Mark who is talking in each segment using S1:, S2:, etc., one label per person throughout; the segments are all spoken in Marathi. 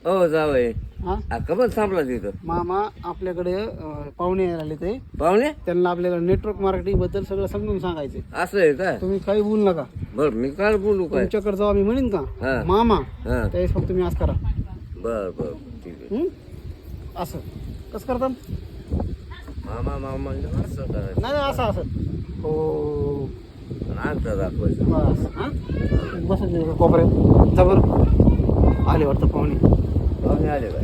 S1: हो जावय.
S2: हा
S1: कमल थांबला तिथं
S2: मामा आपल्याकडे पाहुणे यायला आले ते
S1: पाहुणे.
S2: त्यांना आपल्याकडे नेटवर्क मार्केटिंग बद्दल सगळं समजून सांगायचे.
S1: असं आहे का?
S2: तुम्ही काही बोलू नका.
S1: बर मी काय बोलू काय?
S2: तुमच्याकडे जेव्हा मी म्हणेन
S1: हा.
S2: का मामा
S1: हा
S2: त्यावेळेस फक्त तुम्ही असं करा.
S1: बर बर ठीक आहे.
S2: असं कसं करतात?
S1: मामा मामा असं करायचं.
S2: नाही नाही, असं असं हो
S1: नाटक दाखवायचं.
S2: बस. हा बस कोपऱ्यात जबर आले वाटतं पाहुणे.
S1: पाहुणे आले काय?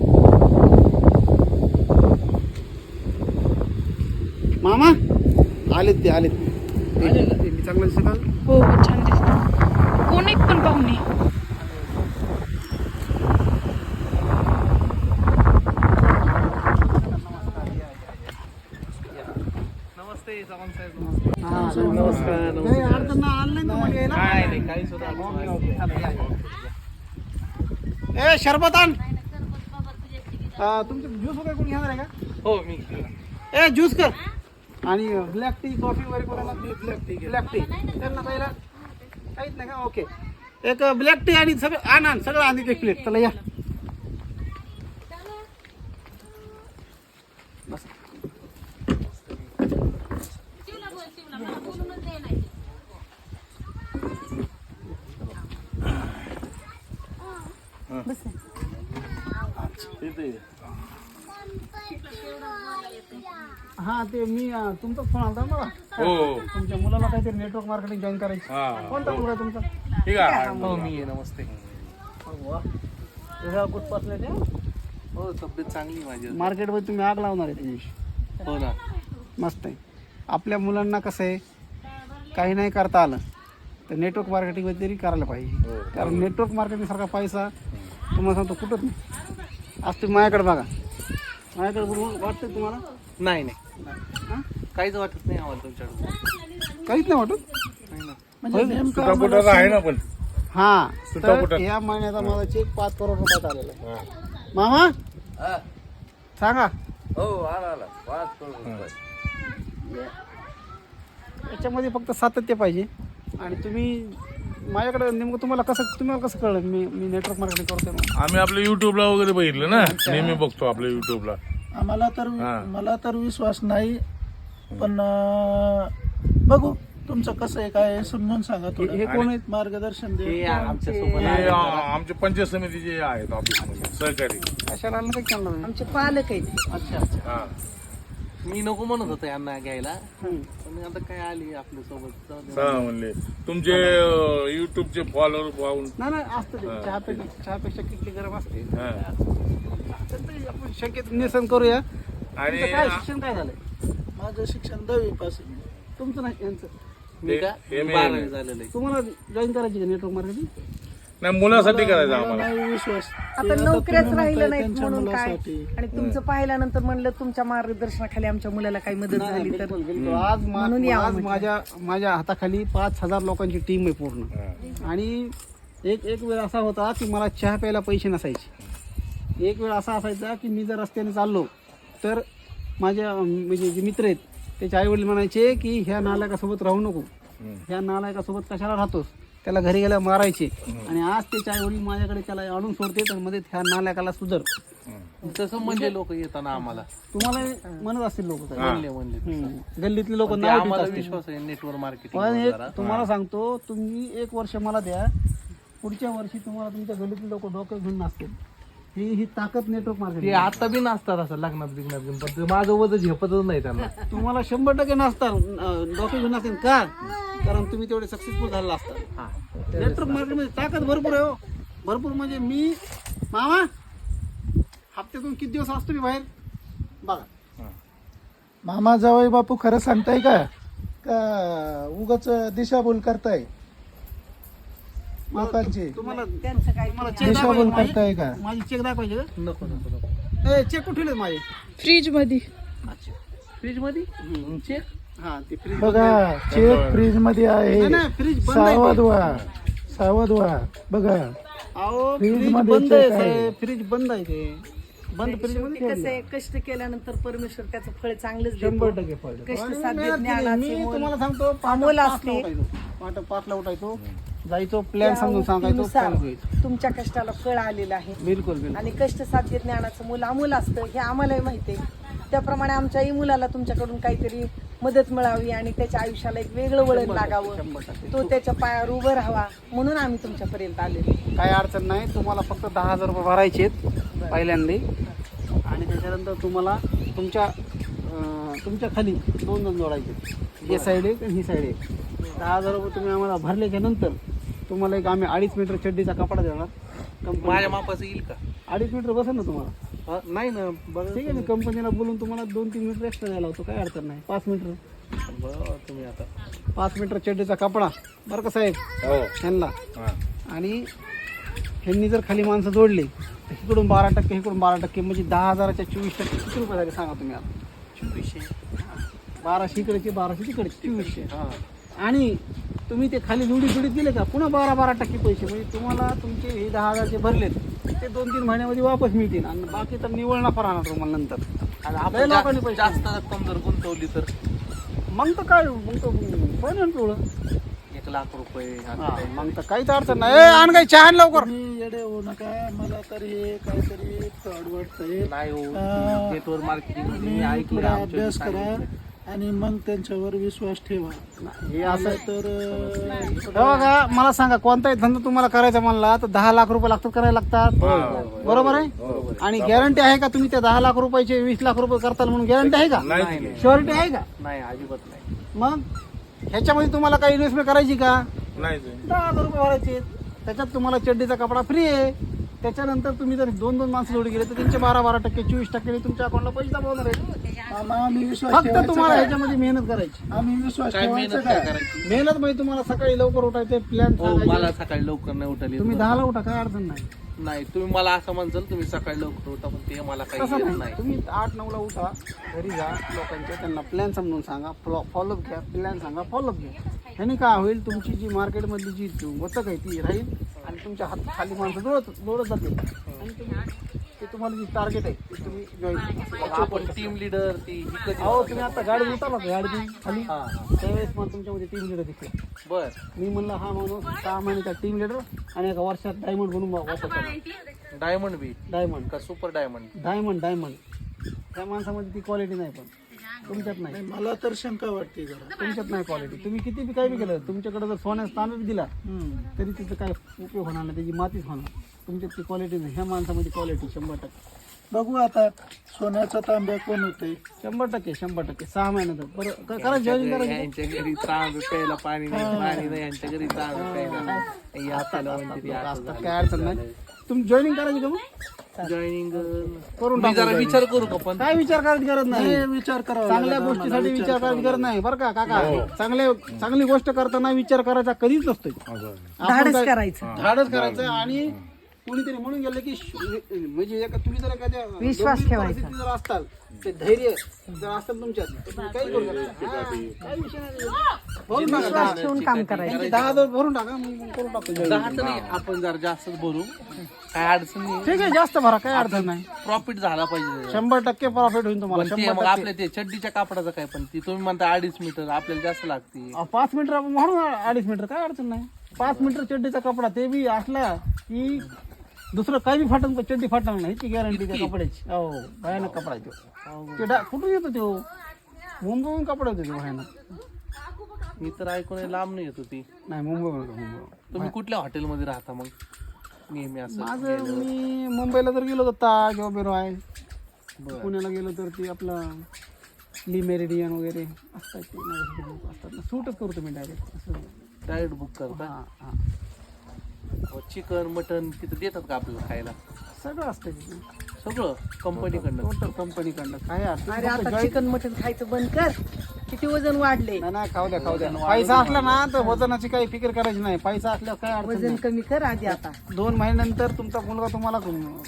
S2: मामा आलेत ते आलेत. मी चांगलं दिसत का?
S3: हो छान दिसत. कोण एक पण पाहुणे.
S2: नमस्कार. नाही अडचण नाही, आलं नाही ना मग यायला? ए शरबत आण. तुमचे ज्यूस वगैरे कोणी घेणार आहे का?
S4: हो मी
S2: ए ज्यूस कर. आणि ब्लॅक टी कॉफी वगैरे कोणाला? ब्लॅक टी त्यांना पहिला काहीच नाही का? ओके एक ब्लॅक टी आणि सगळं आण सगळं आण एक प्लेट. चला या बस. हा ते मी तुमचाच फोन आला मला.
S4: हो
S2: तुमच्या मुलाला काहीतरी नेटवर्क मार्केटिंग जॉईन करायची. कोणता मुलगा आहे तुमचा?
S4: ठीक आहे. हो मी आहे. नमस्ते.
S2: कुठपासले ते
S4: हो तब्येत चांगली माझी.
S2: मार्केटमध्ये तुम्ही आग लावणार आहे तुम्ही.
S4: हो ना.
S2: मस्त आहे. आपल्या मुलांना कसं आहे काही नाही करता आलं तर नेटवर्क मार्केटिंग तरी करायला पाहिजे. कारण नेटवर्क मार्केटिंग सारखा पैसा तुम्हाला सांगतो कुठंच नाही. आज तुम्ही माझ्याकडे बघा. माझ्याकडे बघून वाटतं तुम्हाला?
S4: नाही नाही
S2: हां
S4: काहीच वाटत नाही आम्हाला तुमच्याकडून.
S2: काहीच नाही वाटत.
S4: आहे ना पण.
S2: हा
S4: सुटापुटा.
S2: तर या महिन्याचा माझा चेक 5 करोड रुपयात आलेला आहे. मामा
S1: हा.
S2: सांगा.
S1: हो आला आला 5 करोड रुपये.
S2: याच्यामध्ये फक्त सातत्य पाहिजे. आणि तुम्ही माझ्याकडे नेमकं तुम्हाला कसं कळलं मी नेटवर्क मार्केटिंग करतोय म्हणून?
S4: आम्ही आपल्या युट्यूबला वगैरे बघितलं ना. नेहमी बघतो आपल्या युट्यूबला.
S5: मला तर विश्वास नाही पण बघू तुमचं कसं आहे काय आहे समजून सांगा.
S2: हे कोण आहेत?
S5: मार्गदर्शन दे.
S4: हे आमचे पंचायत समितीचे आहेत ऑफिसमध्ये सहकारी.
S2: कशाला आलं काही चालणार नाही.
S3: आमचे पालक आहेत.
S2: अच्छा अच्छा.
S4: हा.
S6: मी नको म्हणत होतो यांना घ्यायला
S2: हम्म.
S6: पण आता काय आली आपल्या सोबत.
S4: हा म्हणले तुमचे युट्यूबचे फॉलोअर पाहून.
S2: नाही असतं ते. चहापेक्षा किटली गरम असते.
S4: हा.
S2: तर ते आपण शक्यत निसन करूया.
S4: आणि
S2: तुमचं काय शिक्षण काय झालंय?
S5: माझं शिक्षण 10वी पास.
S2: तुमचं नाही यांचं.
S6: मी का
S4: हे मी-
S6: 12वी झालेलं आहे.
S2: तुम्हाला जॉईन करायची का नेटवर्क मार्केटिंग?
S4: नाही मुलासाठी करायचं आम्हाला.
S5: नाही विश्वास.
S3: आता नोकऱ्याच राहिलं नाहीत
S5: त्यांच्या
S3: म्हणून काय.
S5: मुलासाठी.
S3: आणि तुमचं पाहिल्यानंतर म्हणलं तुमच्या मार्गदर्शनाखाली आमच्या मुलाला काही मदत झाली तर
S2: आज
S3: म्हणून यावं म्हटलं.
S2: माझ्या हाताखाली 5000 लोकांची टीम आहे पूर्ण. आणि एक वेळ असा होता की मला चहा प्यायला पैसे नसायचे. एक वेळ असा असायचा की मी जर रस्त्याने चाललो तर माझ्या म्हणजे जे मित्र आहेत त्याचे आई वडील म्हणायचे की ह्या नालायकासोबत राहू नको. ह्या नालायकासोबत कशाला राहतोस, त्याला घरी गेल्या मारायचे. आणि आज त्याचे आई वडील माझ्याकडे त्याला आणून सोडते तर मध्ये ह्या नालायकाला सुधर.
S6: तसं म्हणजे लोक येताना आम्हाला
S2: तुम्हाला म्हणत असतील लोक
S6: म्हणले
S2: गल्लीतले लोक
S6: ते आम्हाला विश्वास आहे नेटवर्क
S2: पण
S6: मार्केटिंग.
S2: एक तुम्हाला सांगतो तुम्ही 1 वर्ष मला द्या. पुढच्या वर्षी तुम्हाला तुमच्या गल्लीतले लोक डोकं घेऊन नसतील. ही ताकद नेटवर्क
S6: ते
S2: मार्केटिंग.
S6: आता बी नसतात असं लग्नात बिग्नात घेऊन पण ते माझं वजन झेपतच नाही त्यांना.
S2: तुम्हाला 100% नसतात डोकं घेऊन नसतील का? कारण तुम्ही तेवढे सक्सेसफुल झालेला असतात. नेटवर्क मार्केटमध्ये ताकद भरपूर आहे. हो भरपूर म्हणजे मी मामा हप्त्यातून किती दिवस असतो मी बाहेर बघा.
S5: मामा जावई बापू खरं सांगताय का उगाच दिशाभूल करताय लोकांची?
S2: तुम्हाला
S3: त्यांचं काय
S2: चेक
S5: दिशाभूल करताय का?
S2: माझी चेक दाखवायचे का?
S6: नको नको नको.
S2: चेक कुठे ठेवले माझे?
S3: फ्रीज मध्ये.
S6: फ्रीज मध्ये चेक.
S2: हा ते फ्रीज
S5: बघा चेक फ्रीज मध्ये आहे.
S2: नाही फ्रीज बंद आहे.
S5: सावध व्हा बघा.
S2: अहो
S5: फ्रीज
S2: फ्रीज
S5: मध्ये
S2: बंद आहे
S5: check आहे.
S2: साहेब. फ्रीज बंद आहे ते. बंद फ्रीज मध्ये
S3: कसं
S2: ठेवलंय.
S3: आहे, कष्ट केल्यानंतर परमेश्वर त्याचं फळ चांगलंच
S2: 100% पडलं.
S3: कष्ट
S2: आणि
S3: साध्य
S2: मेहनत केली.
S3: ज्ञानाचे
S2: मी
S3: मोल
S2: तुम्हाला सांगतो
S3: अमोल
S2: 5ला
S3: असते.
S2: उठायचो. 5ला उठायचो. जायचो प्लॅन समजून सांगायचो
S3: नुसार
S2: follow करायचो.
S3: तुमच्या कष्टाला फळ आलेलं आहे
S2: बिलकुल बिलकुल
S3: आणि कष्ट साध्य ज्ञानाचं मूल अमूल असतं हे आम्हालाही माहिती आहे. त्याप्रमाणे आमच्याही मुलाला तुमच्याकडून काहीतरी मदत मिळावी आणि त्याच्या आयुष्याला एक वेगळं वळण लागावं,
S2: 100%.
S3: तो त्याच्या पायावर उभं राहावा म्हणून आम्ही तुमच्यापर्यंत आलेलो.
S2: काही अडचण नाही. तुम्हाला फक्त 10,000 रुपये भरायचे आहेत पहिल्यांदा आणि त्याच्यानंतर तुम्हाला तुमच्या खाली 2 जण जोडायचे. हे साईड आहे आणि ही साईड आहे. 10,000 रुपये तुम्ही आम्हाला भरल्याच्या नंतर तुम्हाला एक आम्ही 2.5 मीटर चड्डीचा कपडा देणार.
S6: माझ्या मापाचं येईल का?
S2: 2.5 मीटर बसेल ना तुम्हाला?
S6: नाही ना, बघा
S2: ठीक आहे, मी कंपनीला बोलून तुम्हाला 2-3 मीटर एक्स्ट्रा द्यायला होतो. काही अडचण नाही. 5 मीटर
S6: बरं, तुम्ही आता
S2: 5 मीटर चड्डीचा कपडा बरं का साहेब
S4: हो
S2: ह्यांना.
S4: हा.
S2: आणि ह्यांनी जर खाली माणसं जोडली तर इकडून 12% इकडून 12% म्हणजे 10,000च्या 24% किती रुपये झाले सांगा तुम्ही आता?
S6: 2400.
S2: 1200 इकडचे 1200 तिकडचे 2400. आणि तुम्ही ते खाली जोडीत गेले का पुन्हा 12% पैसे म्हणजे तुम्हाला तुमचे हे 10,000 भरलेत ते 2-3 महिन्यामध्ये वापस मिळतील आणि बाकी तर निव्वळ नफा राहणार तुम्हाला नंतर.
S6: आणि
S2: लय
S6: आपण
S2: लोकांनी पैसे
S6: जास्त रक्कम जर गुंतवली तर
S2: मग तर काय मग तर पण पिवळं.
S6: 1,00,000 रुपये
S2: हा, मग तर काहीच अडचण नाही. आणून काही चहा आण लवकर.
S5: तुम्ही येडे होऊ नका. मला तर हे काहीतरी फ्रॉड वाटतंय.
S6: नाही हो.
S5: हा.
S6: नेटवर्क मार्केटिंग
S5: तुम्ही
S6: ऐकलं
S5: थोडा
S6: आमच्या
S5: अभ्यास करा
S6: सांगितलं.
S5: आणि मग त्यांच्यावर विश्वास ठेवा.
S2: हे असं
S5: तर
S2: हे बघा मला सांगा कोणताही धंदा तुम्हाला करायचा म्हणला तर 10 लाख रुपये लागतात करायला लागतात. बरोबर आहे. आणि गॅरंटी आहे का तुम्ही त्या 10 लाख रुपयाचे 20 लाख रुपये करताल म्हणून गॅरंटी आहे का?
S4: नाही.
S2: शुअरिटी आहे का?
S6: नाही, अजिबात नाही.
S2: मग ह्याच्यामध्ये तुम्हाला काही इन्व्हेस्टमेंट करायची का?
S4: नाही
S2: 10,000 रुपये भरायचे. त्याच्यात तुम्हाला चड्डीचा कपडा फ्री आहे. त्याच्यानंतर तुम्ही जर 2-2 माणसं जोडी गेले तर त्यांचे 12% 24% तुमच्या अकाउंटला पैसे जमवणार आहेत.
S5: मामा आम्ही विश्वास
S2: फक्त
S5: ठेवायचा
S2: तुम्हाला
S5: काय?
S2: ह्याच्यामध्ये मेहनत करायची.
S5: आम्ही विश्वास
S6: काय
S5: ठेवायचा
S6: मेहनत काय
S5: काय?
S6: करायची?
S2: मेहनत म्हणजे तुम्हाला सकाळी लवकर उठायचे प्लॅन
S6: हो, मला सकाळी लवकर नाही उठले.
S2: तुम्ही 10ला उठा काय अडचण नाही.
S6: नाही, तुम्ही मला असं म्हणसाल तुम्ही सकाळी लवकर उठा पण ते मला काही
S2: तसं
S6: येत
S2: नाही.
S6: नाही.
S2: तुम्ही 8-9ला उठा घरी जा लोकांच्या त्यांना प्लॅन समजून सांगा फॉलोअप घ्या. प्लॅन सांगा फॉलोअप घ्या. ह्याने काय होईल तुमची जी मार्केटमधली जी वचक आहे ती राहील आणि तुमच्या हात खाली माणसं जोडत जातील आणि ते तुम्हाला जी टार्गेट आहे ते तुम्ही जॉईन
S6: आपण टीम लीडर ती ही कधी
S2: अहो तुम्ही आता गाडी उतरला का गाडी खाली
S6: हा.
S2: त्यावेळेस मला तुमच्यामध्ये टीम लीडर दिसले.
S6: बर.
S2: मी म्हणलं हा माणूस 6 महिन्याचा टीम लीडर आणि एका वर्षात डायमंड बनून वापस
S6: डायमंड बी
S2: डायमंड
S6: का सुपर डायमंड?
S2: डायमंड त्या माणसामध्ये ती क्वालिटी नाही पण तुमच्यात नाही.
S5: मला तर शंका वाटते जरा.
S2: तुमच्यात नाही क्वालिटी. तुम्ही किती बी काही बी केलं तुमच्याकडे जर सोन्याचा तांबा बी दिला तरी तिचं काय उपयोग होणार नाही. त्याची मातीच होणार. तुमच्यात ती क्वालिटी नाही. ह्या माणसामध्ये क्वालिटी 100%.
S5: बघू आता सोन्याचा तांब्या कोण होते.
S2: 100%. 6 महिन्यात बरं करा जॉईन करा.
S6: यांच्या घरी तांब प्यायला पाणी नाही यांच्या घरी तांब प्यायला. हे आपल्याला म्हणते ते असं
S2: असतात काय अडचण नाही. तुम्ही जॉईनिंग करायची का मग?
S6: जॉईनिंग
S2: करून
S6: मी
S2: टाकू
S6: जरा
S2: joining.
S6: विचार करू का पण?
S2: काय विचार करायची गरज नाही.
S5: विचार करावा
S2: चांगल्या
S5: लागेल
S2: गोष्टीसाठी
S5: आम्हाला,
S2: विचार करायची गरज नाही बरं का काका. चांगली गोष्ट करताना विचार करायचा कधीच नसतो.
S3: धाडस करायचं.
S2: धाडस करायचं आणि कुणीतरी म्हणून गेलं की म्हणजे तुम्ही जर एखाद्या
S3: विश्वास
S2: गंभीर
S3: ठेवायचा.
S2: परिस्थितीत जर असताल ते धैर्य जर असेल तुमच्यात तर तुम्ही काही करू शकता. काही विषय नाही. भरून टाका.
S3: विश्वास ठेवून काम करायचं.
S2: 10,000 भरून टाका मग करून टाकतो join.
S6: 10 तर नाही, आपण जरा जास्तच बोलू. काय अडचण नाही.
S2: ठीक आहे जास्त भरा काय अडचण नाही.
S6: प्रॉफिट झाला पाहिजे.
S2: 100% प्रॉफिट होईल तुम्हाला.
S6: पण ते मग आपल्या ते चड्डीच्या कापडाचं काय पण ती तुम्ही म्हणता 2.5 मीटर आपल्याला जास्त लागते.
S2: 5 मीटर आपण म्हणून 2.5 मीटर काय अडचण नाही. 5 मीटर चड्डीचा कपडा ते बी असला की दुसरं काही बी फाटन चड्डी फाटणार नाही. ती गॅरंटी त्या कपड्याची. हो भयानक कपडा आहे तो. कुठून येतो तो? मुंबईहून कपडा येतो तो भयानक.
S6: मी तर ऐकून लांब नाही येत होती.
S2: नाही मुंबई.
S6: तुम्ही कुठल्या हॉटेलमध्ये राहता मग नेहमी असं?
S2: माझं मी मुंबईला जर गेलो तर ताज वगैरे आहे. पुण्याला गेलो तर ते आपलं ली मेरिडियन वगैरे असतात ते लोक असतात ना. सूटच करतो मी डायरेक्ट असं.
S6: डायरेक्ट बुक करता?
S2: हां हां
S6: चिकन मटन तिथं देतात का आपल्याला खायला?
S2: सगळं असतं तिथे.
S6: सगळं कंपनीकडनं?
S2: टोटल कंपनीकडनं काय अडचण
S3: अरे आता चिकन मटन खायचं बंद कर. किती वजन वाढले.
S2: नाही खाऊ द्या. पैसा असला ना तर वजनाची काही फिकर करायची नाही. पैसा असल्यावर काय अडचण
S3: वजन
S2: नाही.
S3: कमी कर आधी. आता
S2: 2 महिन्यानंतर तुमचा मुलगा तुम्हाला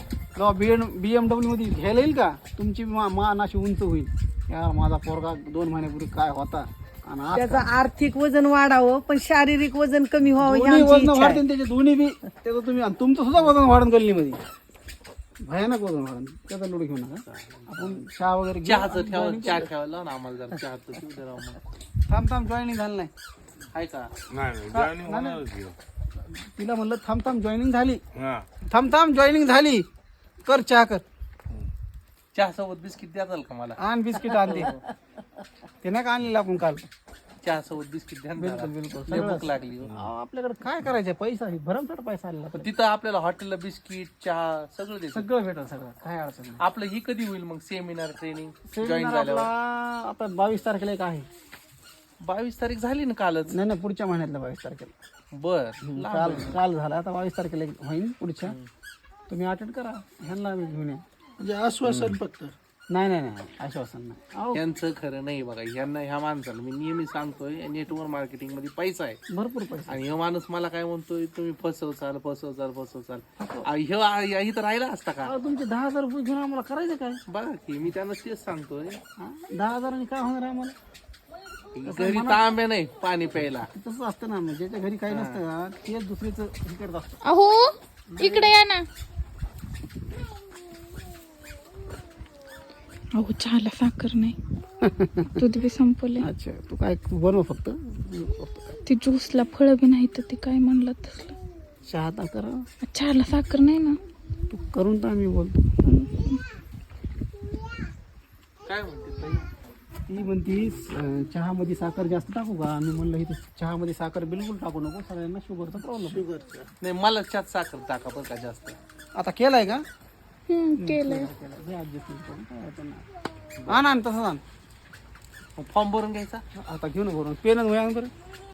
S2: BMW मध्ये घ्यायला येईल का तुमची मान अशी उंच होईल. यार माझा पोरगा 2 महिन्यापूर्वी काय होता आणि आज
S3: त्याचं आर्थिक वजन वाढावं पण शारीरिक वजन कमी व्हावं ही
S2: दोन्ही
S3: आमची
S2: वजन
S3: इच्छा आहे.
S2: वाढते त्याचे दोन्ही बी. त्याचं तुम्ही आणि तुमचं सुद्धा वजन वाढून गल्लीमध्ये भयानक वजन वाढून. त्याचा लोड घेऊ नका. आपण चहा वगैरे घेऊ.
S6: चहाचं चहा ठेवायला ना आम्हाला जरा चहाचं देऊ दे राव मग.
S2: थांब जॉईनिंग झालं नाही.
S6: आहे का?
S4: नाही joining होणारच की.
S2: तिला म्हणलं थांब जॉईनिंग झाली,
S4: हा
S2: थांब जॉईनिंग झाली, कर चहा कर,
S6: चहा सोबत बिस्किट द्याल का मला?
S2: आण बिस्किट आणते. ते नाही का आणलेलं आपण काल.
S6: चहा सोबत बिस्किट द्या ना जरा.
S2: बिलकुल
S6: लय भूक लागली हो.
S2: आपल्याकडे काय करायचं, पैसा भरमसाठ पैसा आलेला.
S6: पण तिथं आपल्याला हॉटेलला बिस्किट चहा सगळं देतात.
S2: सगळं भेटेल, सगळं काय अडचण नाही.
S6: आपलं ही कधी होईल मग सेमिनार ट्रेनिंग जॉईन
S2: सेमिनार
S6: झाल्यावर?
S2: आपला आता 22 तारखेला एक आहे.
S6: 22 तारीख झाली ना कालच.
S2: नाही पुढच्या महिन्यातल्या 22 तारखेला.
S6: बर
S2: काल झाला, आता 22 तारखेला एक होईल पुढच्या. तुम्ही अटेंड करा, ह्यांना आम्ही घेऊन या.
S5: म्हणजे आश्वासन फक्त.
S2: नाही आश्वासन नाही. अहो,
S6: यांचं खरं नाही बघा. ह्यांना ह्या माणसाला मी नेहमी सांगतोय नेटवर्क मार्केटिंग मध्ये पैसा आहे.
S2: भरपूर पैसा.
S6: आणि हा माणूस मला काय म्हणतोय, तुम्ही फसवचाल. ह्याही तर राहिला असता का?
S2: अहो, तुमचे 10,000 रुपये घेऊन आम्हाला करायचं काय?
S6: बघा की मी त्यांना तेच सांगतोय.
S2: 10,000 काय होणार आहे आम्हाला?
S6: घरी तांब्या नाही पाणी प्यायला.
S2: तसंच असतं ना, म्हणजे ज्याच्या घरी काही नसतं ना, तेच दुसरीचं हे करत असतं.
S7: अहो इकडे या ना. अहो चहाला साखर नाही, दूध बी संपले.
S2: अच्छा, तू काय बनव फक्त.
S7: ती ज्यूसला फळं बी नाही तर ती काय म्हणलं तसलं.
S2: चहा तर करा.
S7: चहाला साखर नाही ना.
S2: तू करून तर आम्ही बोलतो.
S6: काय म्हणते ताई?
S2: ती म्हणती चहामध्ये साखर जास्त टाकू का? मी म्हणलं इथं चहामध्ये साखर बिलकुल टाकू नको, सगळ्यांना शुगरचा प्रॉब्लेम.
S6: नाही मला त्यात साखर टाका बरं का जास्त.
S2: आता केलाय का?
S7: केलंय.
S2: आण तसंच आण.
S6: फॉर्म भरून घ्यायचा.
S2: आता घेऊ ना भरून. पेन वया बरं.